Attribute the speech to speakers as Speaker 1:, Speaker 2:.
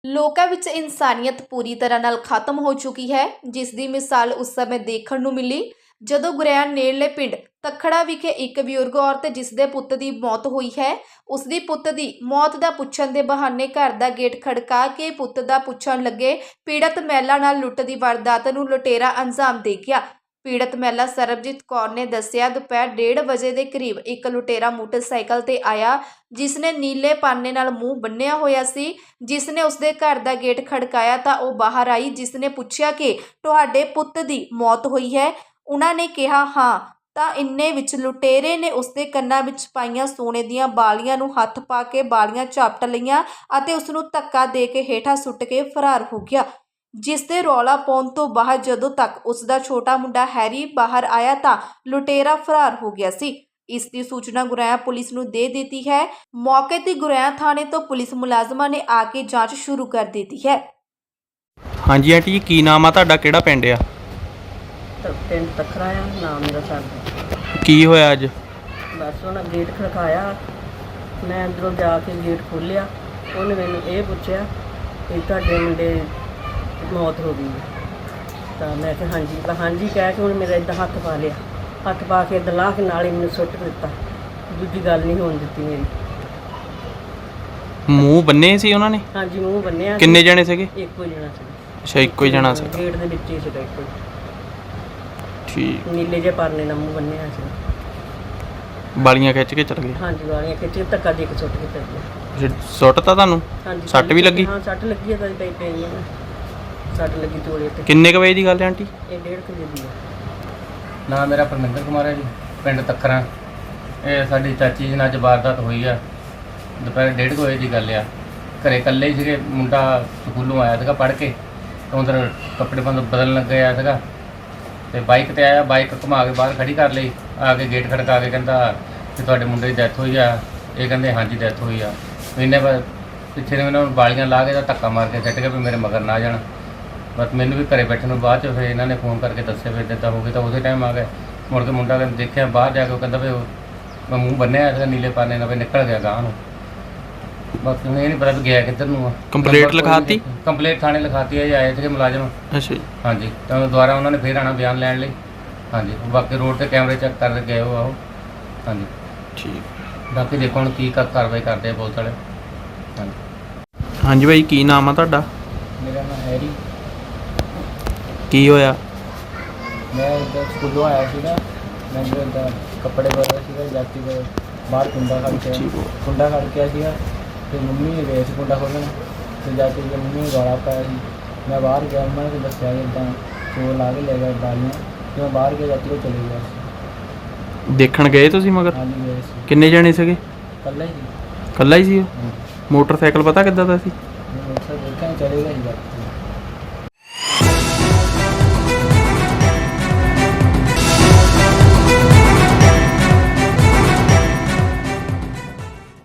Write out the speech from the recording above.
Speaker 1: ਲੋਕਾਂ ਵਿੱਚ ਇਨਸਾਨੀਅਤ ਪੂਰੀ ਤਰ੍ਹਾਂ ਨਾਲ ਖਤਮ ਹੋ ਚੁੱਕੀ ਹੈ, ਜਿਸ ਦੀ ਮਿਸਾਲ ਉਸ ਸਮੇਂ ਦੇਖਣ ਨੂੰ ਮਿਲੀ ਜਦੋਂ ਗੁਰੇਆਂ ਨੇੜਲੇ ਪਿੰਡ ਤਖੜਾ ਵਿਖੇ ਇੱਕ ਬਜ਼ੁਰਗ ਔਰਤ ਜਿਸ ਦੇ ਪੁੱਤ ਦੀ ਮੌਤ ਹੋਈ ਹੈ, ਉਸ ਦੀ ਪੁੱਤ ਦੀ ਮੌਤ ਦਾ ਪੁੱਛਣ ਦੇ ਬਹਾਨੇ ਘਰ ਦਾ ਗੇਟ ਖੜਕਾ ਕੇ ਪੁੱਤ ਦਾ ਪੁੱਛਣ ਲੱਗੇ ਪੀੜਤ ਮਹਿਲਾ ਨਾਲ ਲੁੱਟ ਦੀ ਵਾਰਦਾਤ ਨੂੰ ਲੁਟੇਰਾ ਅੰਜਾਮ ਦੇ ਗਿਆ। ਪੀੜਤ ਮਹਿਲਾ ਸਰਬਜੀਤ ਕੌਰ ਨੇ ਦੱਸਿਆ, ਦੁਪਹਿਰ 1:30 ਵਜੇ ਦੇ ਕਰੀਬ ਇੱਕ ਲੁਟੇਰਾ ਮੋਟਰਸਾਈਕਲ ਤੇ ਆਇਆ ਜਿਸ ਨੇ ਨੀਲੇ ਪਾਨੇ ਨਾਲ ਮੂੰਹ ਬੰਨਿਆ ਹੋਇਆ ਸੀ। ਜਿਸ ਨੇ ਉਸਦੇ ਘਰ ਦਾ ਗੇਟ ਖੜਕਾਇਆ ਤਾਂ ਉਹ ਬਾਹਰ ਆਈ। ਜਿਸ ਨੇ ਪੁੱਛਿਆ ਕਿ ਤੁਹਾਡੇ ਪੁੱਤ ਦੀ ਮੌਤ ਹੋਈ ਹੈ। ਉਹਨਾਂ ਨੇ ਕਿਹਾ ਹਾਂ, ਤਾਂ ਇੰਨੇ ਵਿੱਚ ਲੁਟੇਰੇ ਨੇ ਉਸਦੇ ਕੰਨਾਂ ਵਿੱਚ ਪਾਈਆਂ ਸੋਨੇ ਦੀਆਂ ਬਾਲੀਆਂ ਨੂੰ ਹੱਥ ਪਾ ਕੇ ਬਾਲੀਆਂ ਝਾਪਟ ਲਈਆਂ ਅਤੇ ਉਸ ਨੂੰ ਧੱਕਾ ਦੇ ਕੇ ਹੇਠਾਂ ਸੁੱਟ ਕੇ ਫਰਾਰ ਹੋ ਗਿਆ। ਜਿਸ ਦੇ ਰੌਲਾ ਪਾਉਣ ਤੋਂ ਬਾਅਦ ਜਦੋਂ ਤੱਕ ਉਸ ਦਾ ਛੋਟਾ ਮੁੰਡਾ ਹੈਰੀ ਬਾਹਰ ਆਇਆ ਤਾਂ ਲੁਟੇਰਾ ਫਰਾਰ ਹੋ ਗਿਆ ਸੀ। ਇਸ ਦੀ ਸੂਚਨਾ ਗੁਰੇਆਂ ਪੁਲਿਸ ਨੂੰ ਦੇ ਦਿੱਤੀ ਹੈ। ਮੌਕੇ ਤੇ ਗੁਰੇਆਂ ਥਾਣੇ ਤੋਂ ਪੁਲਿਸ ਮੁਲਾਜ਼ਮਾਂ ਨੇ ਆ ਕੇ ਜਾਂਚ ਸ਼ੁਰੂ ਕਰ ਦਿੱਤੀ ਹੈ।
Speaker 2: ਹਾਂਜੀ ਆਂਟੀ ਜੀ, ਕੀ ਨਾਮ ਆ ਤੁਹਾਡਾ, ਕਿਹੜਾ ਪਿੰਡ ਆ?
Speaker 3: ਪਿੰਡ ਤਖੜਾ ਆ, ਨਾਮ ਮੇਰਾ ਸਰਦਾ।
Speaker 2: ਕੀ ਹੋਇਆ ਅੱਜ?
Speaker 3: ਬਸ ਉਹਨਾਂ ਗੇਟ ਖੜਕਾਇਆ, ਮੈਂ ਅੰਦਰੋਂ ਜਾ ਕੇ ਗੇਟ ਖੋਲ੍ਹਿਆ। ਉਹਨੇ ਮੈਨੂੰ ਇਹ ਪੁੱਛਿਆ ਕਿ ਤੁਹਾਡੇ ਮੁੰਡੇ ਮੌਤ ਹੋ ਗਈ ਹੈ। ਤਾਂ ਮੈਂ ਕਿਹਾ ਹਾਂਜੀ। ਤਾਂ ਹਾਂਜੀ ਕਹਿ ਕੇ ਉਹਨੇ ਮੇਰਾ ਇੱਦਾਂ ਹੱਥ ਪਾ ਲਿਆ, ਹੱਥ ਪਾ ਕੇ ਇੱਦਾਂ ਲਾਹ ਕੇ ਨਾਲ ਹੀ ਮੈਨੂੰ ਸੁੱਟ ਦਿੱਤਾ। ਦੂਜੀ ਗੱਲ ਨਹੀਂ ਹੋਣ ਦਿੱਤੀ ਮੇਰੀ।
Speaker 2: ਮੂੰਹ ਬੰਨੇ ਸੀ ਉਹਨਾਂ ਨੇ?
Speaker 3: ਹਾਂਜੀ, ਮੂੰਹ ਬੰਨਿਆ।
Speaker 2: ਕਿੰਨੇ ਜਣੇ ਸੀਗੇ?
Speaker 3: ਇੱਕੋ ਜਣਾ ਸੀ।
Speaker 2: ਅੱਛਾ, ਇੱਕੋ ਹੀ ਜਣਾ ਸੀ।
Speaker 3: ਗੇਟ ਦੇ ਵਿੱਚ ਹੀ ਸੀਗਾ ਇੱਕੋ।
Speaker 2: ਠੀਕ।
Speaker 3: ਨੀਲੇ ਜਿਹੇ ਪਰਨੇ ਨਾਲ ਮੂੰਹ ਬੰਨਿਆ ਸੀ।
Speaker 2: ਬਾਲੀਆਂ ਖਿੱਚ ਕੇ ਚਲ ਗਏ?
Speaker 3: ਹਾਂਜੀ, ਵਾਲੀਆਂ ਖਿੱਚ ਕੇ ਧੱਕਾ ਦੇ ਕੇ ਸੁੱਟ ਕੇ ਚੱਲ ਗਿਆ।
Speaker 2: ਸੁੱਟਤਾ ਤੁਹਾਨੂੰ?
Speaker 3: ਹਾਂਜੀ।
Speaker 2: ਸੱਟ ਵੀ ਲੱਗੀ?
Speaker 3: ਹਾਂ, ਸੱਟ ਲੱਗੀ ਹੈ। ਤਾਂ ਪਈ ਹੈ ਨਾ, ਸੱਟ ਲੱਗੀ ਤੋੜੇ ਤੇ।
Speaker 2: ਕਿੰਨੇ ਕੁ ਵਜੇ ਦੀ ਗੱਲ ਹੈ ਆਂਟੀ?
Speaker 3: ਇਹ 1:30 ਵਜੇ ਦੀ ਹੈ।
Speaker 4: ਨਾਮ ਮੇਰਾ ਪਰਮਿੰਦਰ ਕੁਮਾਰ ਹੈ ਜੀ, ਪਿੰਡ ਤੱਖਰਾਂ। ਇਹ ਸਾਡੀ ਚਾਚੀ ਜੀ ਨਾਲ ਅੱਜ ਵਾਰਦਾਤ ਹੋਈ ਆ। ਦੁਪਹਿਰ 1:30 ਵਜੇ ਦੀ ਗੱਲ ਆ। ਘਰੇ ਇਕੱਲੇ ਹੀ ਸੀਗੇ। ਮੁੰਡਾ ਸਕੂਲੋਂ ਆਇਆ ਸੀਗਾ ਪੜ੍ਹ ਕੇ, ਉਧਰ ਕੱਪੜੇ ਬਦਲਣ ਲੱਗਿਆ ਸੀਗਾ ਤੇ ਬਾਈਕ ਤੇ ਆਇਆ। ਬਾਈਕ ਘੁਮਾ ਕੇ ਬਾਹਰ ਖੜੀ ਕਰ ਲਈ। ਆ ਕੇ ਗੇਟ ਖੜਕਾ ਕੇ ਕਹਿੰਦਾ ਕਿ ਤੁਹਾਡੇ ਮੁੰਡੇ ਦੀ ਡੈਥ ਹੋਈ ਆ। ਇਹ ਕਹਿੰਦੇ ਹਾਂਜੀ ਡੈਥ ਹੋਈ ਆ। ਇੰਨੇ ਪਿੱਛੇ ਨੇ ਇਹਨਾਂ ਨੂੰ ਬਾਲੀਆਂ ਲਾ ਕੇ ਤਾਂ ਧੱਕਾ ਮਾਰ ਕੇ ਸਿੱਟ ਕੇ ਵੀ ਮੇਰੇ ਮਗਰ ਨਾ ਜਾਣ। ਬਸ ਮੈਨੂੰ ਵੀ ਘਰੇ ਬੈਠਣ ਨੂੰ ਬਾਅਦ 'ਚ ਫਿਰ ਇਹਨਾਂ ਨੇ ਫੋਨ ਕਰਕੇ ਦੱਸਿਆ ਵੀ ਇੱਦਾਂ ਹੋ ਗਈ। ਤਾਂ ਉਸੇ ਟਾਈਮ ਆ ਗਏ। ਮੁੜ ਕੇ ਮੁੰਡਾ ਦੇਖਿਆ ਬਾਹਰ ਜਾ ਕੇ, ਉਹ ਕਹਿੰਦਾ ਵੀ ਮੈਂ ਮੂੰਹ ਬੰਨਿਆ ਸੀਗਾ ਨੀਲੇ ਪਾਨੇ ਨਾਲ, ਵੀ ਨਿਕਲ ਗਿਆ ਗਾਂ ਨੂੰ। ਬਸ ਇਹ ਨਹੀਂ ਪਤਾ ਵੀ ਗਿਆ ਕਿੱਧਰ ਨੂੰ ਆ।
Speaker 2: ਕੰਪਲੇਂਟ ਲਿਖਾਤੀ?
Speaker 4: ਕੰਪਲੇਂਟ ਥਾਣੇ ਲਿਖਾਤੀ ਹੈ ਜੀ, ਆਏ ਸੀਗੇ ਮੁਲਾਜ਼ਮ।
Speaker 2: ਅੱਛਾ ਜੀ।
Speaker 4: ਹਾਂਜੀ, ਤਾਂ ਦੁਬਾਰਾ ਉਹਨਾਂ ਨੇ ਫਿਰ ਆਉਣਾ ਬਿਆਨ ਲੈਣ ਲਈ। ਹਾਂਜੀ, ਬਾਕੀ ਰੋਡ ਤੇ ਕੈਮਰੇ ਚੈੱਕ ਕਰ ਗਏ ਉਹ ਆਓ। ਹਾਂਜੀ
Speaker 2: ਠੀਕ।
Speaker 4: ਬਾਕੀ ਦੇਖੋ ਹੁਣ ਕੀ ਕਾਰਵਾਈ ਕਰਦੇ ਆ ਪੁਲਿਸ ਵਾਲੇ। ਹਾਂਜੀ।
Speaker 2: ਹਾਂਜੀ ਭਾਈ, ਕੀ ਨਾਮ ਆ ਤੁਹਾਡਾ?
Speaker 5: ਮੇਰਾ ਨਾਮ ਹੈਰੀ।
Speaker 2: ਕੀ ਹੋਇਆ?
Speaker 5: ਮੈਂ ਇੱਧਰ ਸਕੂਲੋਂ ਆਇਆ ਸੀਗਾ। ਮੈਂ ਇੱਦਾਂ ਕੱਪੜੇ ਬਦਲ ਸੀਗਾ, ਜਾਤੀ ਦੇ ਬਾਹਰ ਕੁੰਡਾ ਖੜ ਕੇ ਸੀਗਾ। ਅਤੇ ਮੰਮੀ ਨੇ ਗਏ ਸੀ ਕੁੰਡਾ ਖੋਲ੍ਹਣ, ਅਤੇ ਜਾਤੀ ਦੀ ਮੰਮੀ ਨੇ ਗਾਲਾਂ ਪਾਇਆ ਸੀ। ਮੈਂ ਬਾਹਰ ਗਿਆ, ਉਹਨਾਂ ਨੇ ਦੱਸਿਆ ਕਿ ਇੱਦਾਂ ਚੋਰ ਲਾ ਕੇ ਲੈ ਗਿਆ ਬਾਲੀਆਂ, ਅਤੇ ਮੈਂ ਬਾਹਰ ਗਿਆ, ਜਾਤੀ ਉਹ ਚਲੇ ਗਿਆ ਸੀ।
Speaker 2: ਦੇਖਣ ਗਏ ਤੁਸੀਂ ਮਗਰ?
Speaker 5: ਹਾਂਜੀ ਗਏ ਸੀ।
Speaker 2: ਕਿੰਨੇ ਜਣੇ ਸੀਗੇ?
Speaker 5: ਇਕੱਲਾ ਹੀ ਸੀ।
Speaker 2: ਇਕੱਲਾ ਹੀ ਸੀ ਉਹ?
Speaker 5: ਹਾਂਜੀ।
Speaker 2: ਮੋਟਰਸਾਈਕਲ ਪਤਾ ਕਿੱਦਾਂ ਦਾ ਸੀ?
Speaker 5: ਮੈਂ ਮੋਟਰਸਾਈਕਲ ਦੇਖਿਆ ਚਲੇ ਗਿਆ ਸੀ।